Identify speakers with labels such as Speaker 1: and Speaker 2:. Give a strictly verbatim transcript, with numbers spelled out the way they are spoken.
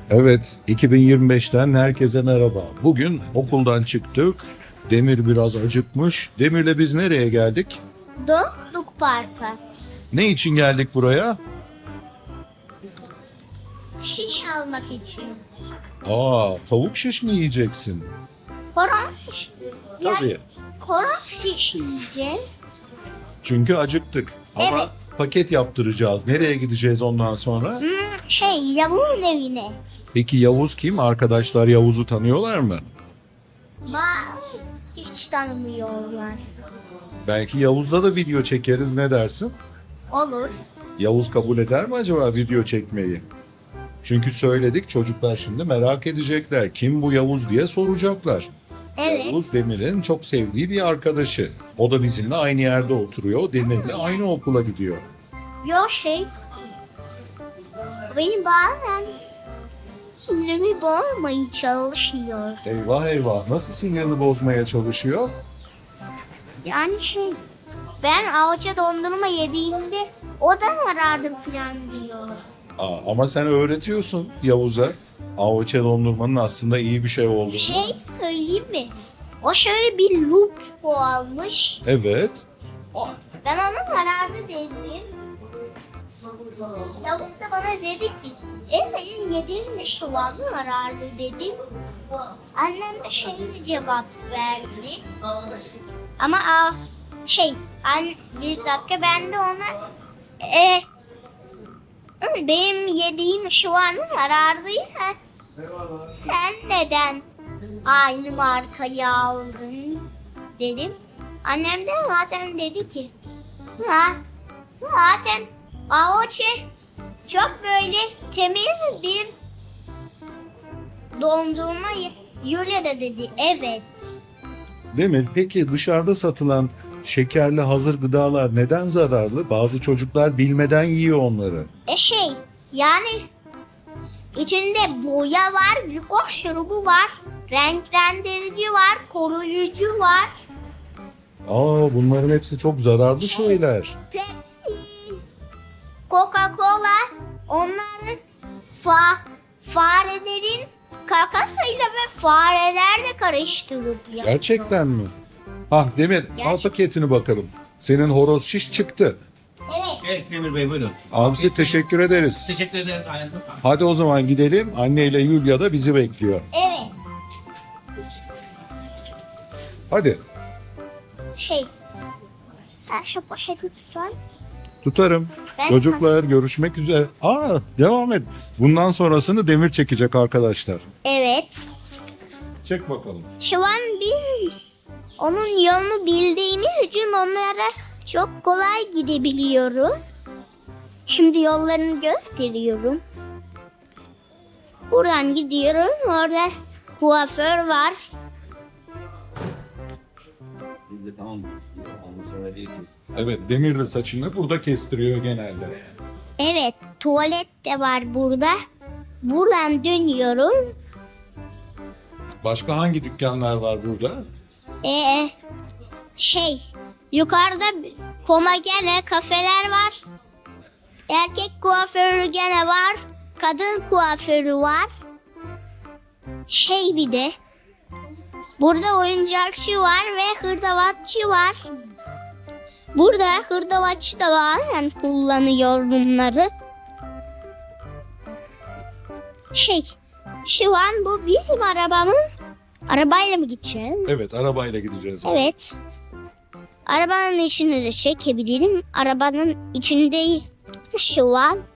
Speaker 1: Evet, iki bin yirmi beşten herkese merhaba. Bugün okuldan çıktık. Demir biraz acıkmış. Demir'le biz nereye geldik?
Speaker 2: Dostluk Parkı.
Speaker 1: Ne için geldik buraya?
Speaker 2: Şiş almak için.
Speaker 1: Aa, tavuk şiş mi yiyeceksin?
Speaker 2: Koron şiş.
Speaker 1: Tabii.
Speaker 2: Ya, koron şiş yiyeceğiz.
Speaker 1: Çünkü acıktık. Ama
Speaker 2: Evet.
Speaker 1: paket yaptıracağız. Nereye gideceğiz ondan sonra?
Speaker 2: Hmm, şey Yavuz'un evine.
Speaker 1: Peki Yavuz kim? Arkadaşlar Yavuz'u tanıyorlar mı?
Speaker 2: Ba hiç tanımıyorlar.
Speaker 1: Belki Yavuz'la da video çekeriz, ne dersin?
Speaker 2: Olur.
Speaker 1: Yavuz kabul eder mi acaba video çekmeyi? Çünkü söyledik, çocuklar şimdi merak edecekler. Kim bu Yavuz diye soracaklar.
Speaker 2: Evet.
Speaker 1: Yavuz Demir'in çok sevdiği bir arkadaşı. O da bizimle aynı yerde oturuyor. Demir'le aynı okula gidiyor.
Speaker 2: Yok şey. Benim bazen sinirimi bozmaya çalışıyor.
Speaker 1: Eyvah eyvah, nasıl sinirini bozmaya çalışıyor?
Speaker 2: Yani şey. Ben avuca dondurma yediğimde o da zarardır falan diyor.
Speaker 1: Aa, ama sen öğretiyorsun Yavuz'a. Avuçe dondurmanın aslında iyi bir şey olduğunu.
Speaker 2: Şey söyleyeyim mi? O şöyle bir loop almış.
Speaker 1: Evet.
Speaker 2: Ben ona zararlı dedim. Yavuz da bana dedi ki, e senin yediğin de şu an zararlı dedim. Annem de şöyle cevap verdi. Ama a, şey, an, bir dakika ben de ona e, benim yediğim şu an zararlıysa sen neden aynı markayı aldın dedim. Annem de zaten dedi ki, ha, zaten Aoçe çok böyle temiz bir dondurma. Yulia da dedi evet.
Speaker 1: Demir, peki dışarıda satılan şekerli hazır gıdalar neden zararlı? Bazı çocuklar bilmeden yiyor onları.
Speaker 2: E şey yani içinde boya var, glikoz şurubu var, renklendirici var, koruyucu var.
Speaker 1: Aa, bunların hepsi çok zararlı şeyler.
Speaker 2: Pepsi, Coca-Cola, onların fa farelerin kakasıyla ve farelerle karıştırıp yapıyor.
Speaker 1: Gerçekten mi? Hah Demir, al
Speaker 2: Gerçek-
Speaker 1: paketini bakalım. Senin horoz şiş çıktı.
Speaker 2: Evet.
Speaker 3: Evet Demir Bey buyurun.
Speaker 1: Abisi teşekkür ederiz.
Speaker 3: Teşekkür ederim. Aynen.
Speaker 1: Hadi o zaman gidelim. Anne ile Yulia da bizi bekliyor.
Speaker 2: Evet.
Speaker 1: Hadi.
Speaker 2: Şey. Sen şu poşeti tutsan.
Speaker 1: Tutarım.
Speaker 2: Ben-
Speaker 1: Çocuklar görüşmek üzere. Aa, devam et. Bundan sonrasını Demir çekecek arkadaşlar.
Speaker 2: Evet.
Speaker 1: Çek bakalım.
Speaker 2: Şu an biz onun yolunu bildiğimiz için onlara çok kolay gidebiliyoruz. Şimdi yollarını gösteriyorum. Buradan gidiyoruz. Orada kuaför var.
Speaker 1: Evet, Demir de saçını burada kestiriyor genelde.
Speaker 2: Evet, tuvalet de var burada. Buradan dönüyoruz.
Speaker 1: Başka hangi dükkanlar var burada?
Speaker 2: Ee, şey, yukarıda komagene kafeler var. Erkek kuaförü gene var. Kadın kuaförü var. Şey bir de burada oyuncakçı var ve hırdavatçı var. Burada hırdavatçı da bazen kullanıyor bunları. Şey, şu an bu bizim arabamız. Arabayla mı gideceğiz?
Speaker 1: Evet, arabayla gideceğiz.
Speaker 2: Evet. Arabanın içini de çekebilirim. Arabanın içinde şu an